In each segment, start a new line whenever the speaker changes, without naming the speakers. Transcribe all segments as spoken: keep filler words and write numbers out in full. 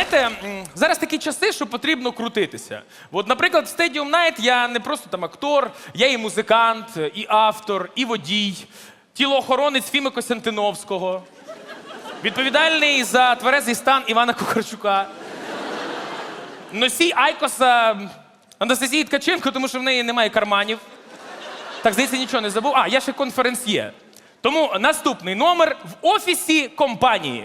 знаєте, м, зараз такі часи, що потрібно крутитися. От, наприклад, в Stadium Night я не просто там актор, я і музикант, і автор, і водій, тілоохоронець Фіми Костянтиновського, відповідальний за тверезий стан Івана Кухарчука, носій Айкоса Анастасії Ткаченко, тому що в неї немає карманів. Так, здається, нічого не забув. А, я ще конференсьє. Тому наступний номер в офісі компанії.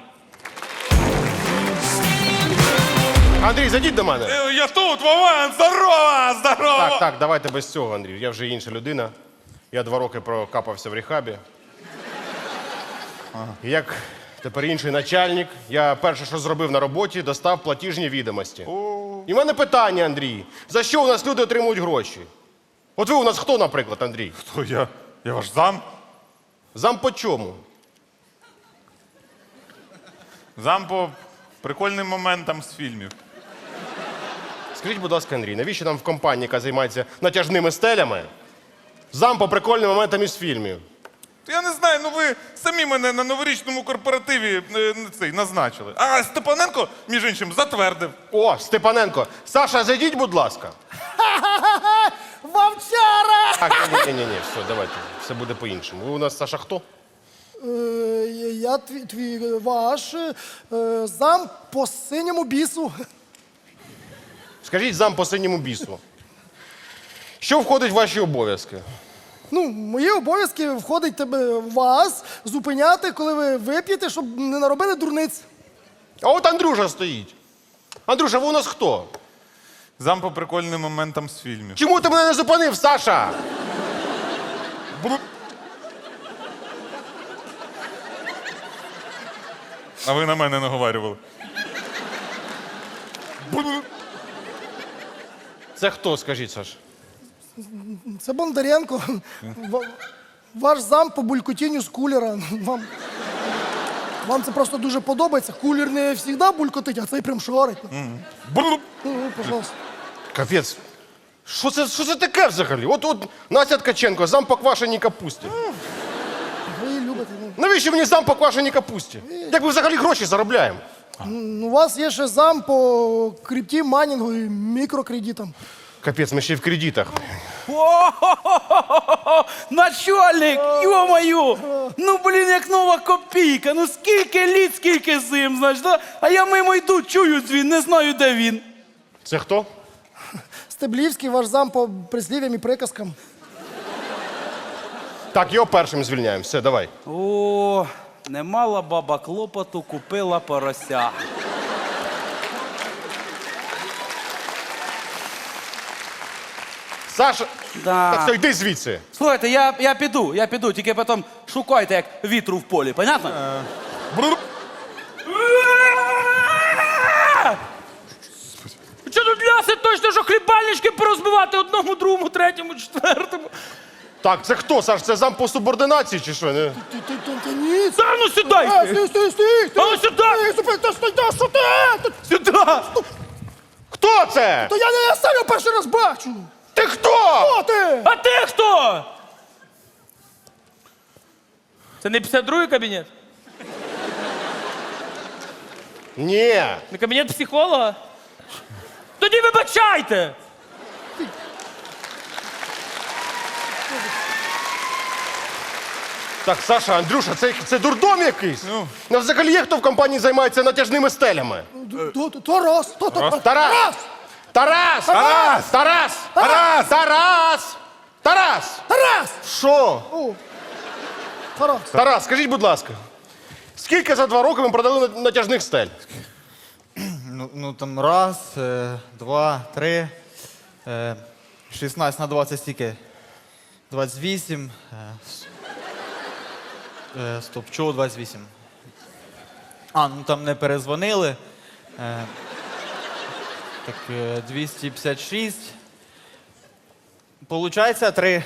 Андрій, зайдіть до мене.
Е, Я тут, Вован, здорово, здорово!
Так, так, давайте без цього, Андрій. Я вже інша людина. Я два роки прокапався в рехабі. І як тепер інший начальник, я перше, що зробив на роботі, достав платіжні відомості. І в мене питання, Андрій. За що у нас люди отримують гроші? От ви у нас хто, наприклад, Андрій?
Хто я? Я ваш зам?
Зам по чому?
Зам по прикольним моментам з фільмів.
Скажіть, будь ласка, Андрій, навіщо нам в компанії, яка займається натяжними стелями, зам по прикольним моментам із фільмів?
Я не знаю, ну ви самі мене на новорічному корпоративі е, цей, назначили. А Степаненко, між іншим, затвердив.
О, Степаненко. Саша, зайдіть, будь ласка.
Вовчара!
Так, ні, ні, ні, ні, все, давайте. Все буде по-іншому. Ви у нас, Саша, хто?
Е, я твій, твій ваш е, зам по синьому бісу.
Скажіть зам по синьому бісу. Що входить в ваші обов'язки?
Ну, в мої обов'язки входить тебе вас зупиняти, коли ви вип'єте, щоб не наробили дурниць.
А от Андрюша стоїть. Андрюша, ви у нас хто?
Зам по прикольним моментам з фільмів.
Чому ти мене не зупинив, Саша?
Бру- А ви на мене наговарювали. Бру-
Це хто, скажіть, Саш?
Це Бондаренко. Ва- Ваш зам по булькотінню з кулера. Вам, вам це просто дуже подобається. Кулер не завжди булькотить, а цей прям шарить.
бру-
Ну, пожалуйста.
Капець. Що це, що це таке взагалі? От, от Настя Ткаченко, зам по квашеній капусті.
Ви її любите. Ну.
Навіщо мені зам по квашеній капусті? Як ми взагалі гроші заробляємо?
Ну, у вас є ще зам по крипті, майнінгу і мікрокредитам.
Капець, ми ще й в кредитах.
О-хо-хо-хо-хо! Начальник, ё-моё! Ну, блін, як нова копійка. Ну, скільки літ, скільки зим, знаєш, да? А я мимо йду, чую дзвін, не знаю, де він.
Це хто?
Стеблівський, ваш зам по прислів'ям і приказкам.
Так, його першим звільняємо. Все, давай.
О, не мала баба клопоту, купила порося.
Саша,
Да.
так все, йди звідси.
Слухайте, я, я піду, я піду, тільки потім шукайте, як вітру в полі, понятно?
Бру-
Що тут ляси точно, що хлібальнички порозбивати одному, другому, третьому, четвертому?
Так, це хто, Саш? Це зам по субординації чи що? Не?
Ти, ти, ти, ти, ні, це...
Та ну сідай!
Е, стій, стій, стій!
А ну сюди!
Стій, стій, ти, стій, ти, що ти? Ти-
Сюди!
Хто це?
То я не я сам його перший раз бачу!
Ти хто?
Хто ти?
А ти хто? Це не п'ятдесят другий кабінет?
Ні.
Не кабінет психолога? Тоді вибачайте!
Так, Саша, Андрюша, це, це дурдом якийсь? Ну. Ну, взагалі є хто в компанії займається натяжними стелями?
То- то- Тарас! то- то- то-
Тарас! Тарас! Тарас! Тарас! Тарас! Тарас! Тарас!
Тарас!
Що?
О, Тарас.
Тарас, скажіть, будь ласка, скільки за два роки ви продали на- натяжних стель?
Ну, ну там раз, е, два, три, е, шістнадцять на двадцять стільки. двадцять вісім. Е, с- е, стоп, чого двадцять вісім? А, ну там не перезвонили. Е, так, е, двісті п'ятдесят шість. Получається три.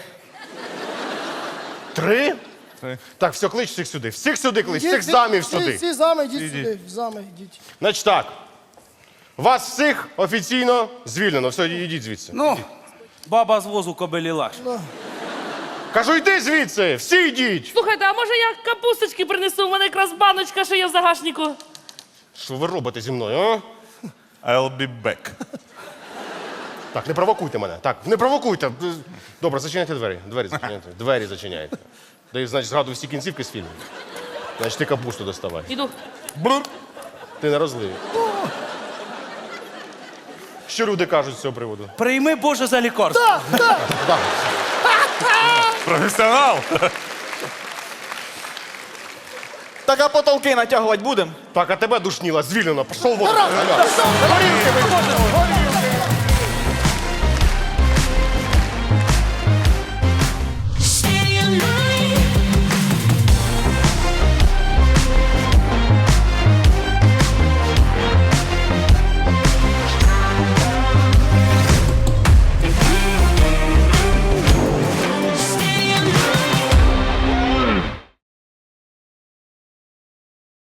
Три? Так, все, клич всіх сюди. Всіх сюди клич, всіх
Всі-
замів
всі-
сюди.
Всі зами, йдіть сюди. Зами, йдіть.
Значить так, вас всіх офіційно звільнено. Все, йдіть звідси.
Ну, баба з возу кобилі лаш.
Кажу, йди звідси, всі йдіть.
Слухайте, а може я капусточки принесу? У мене якраз баночка, що є в загашнику.
Що ви робите зі мною, а?
I'll be back.
Так, не провокуйте мене. Так, не провокуйте. Добре, зачиняйте двері. Двері зачиняйте. Двері зачиняйте. Дай, значить, згадую всі кінцівки з фільму. Значить, ти капусту доставай.
Іду.
Брур.
Ти на розливі. Що люди кажуть з цього приводу?
Прийми Боже за лікарство.
Так, так.
Так.
Професіонал.
Так, а потолки натягувати будемо?
Так, а тебе душніла, звільнено. Пішов вон.
Тарас, пішов.
Горілки випив.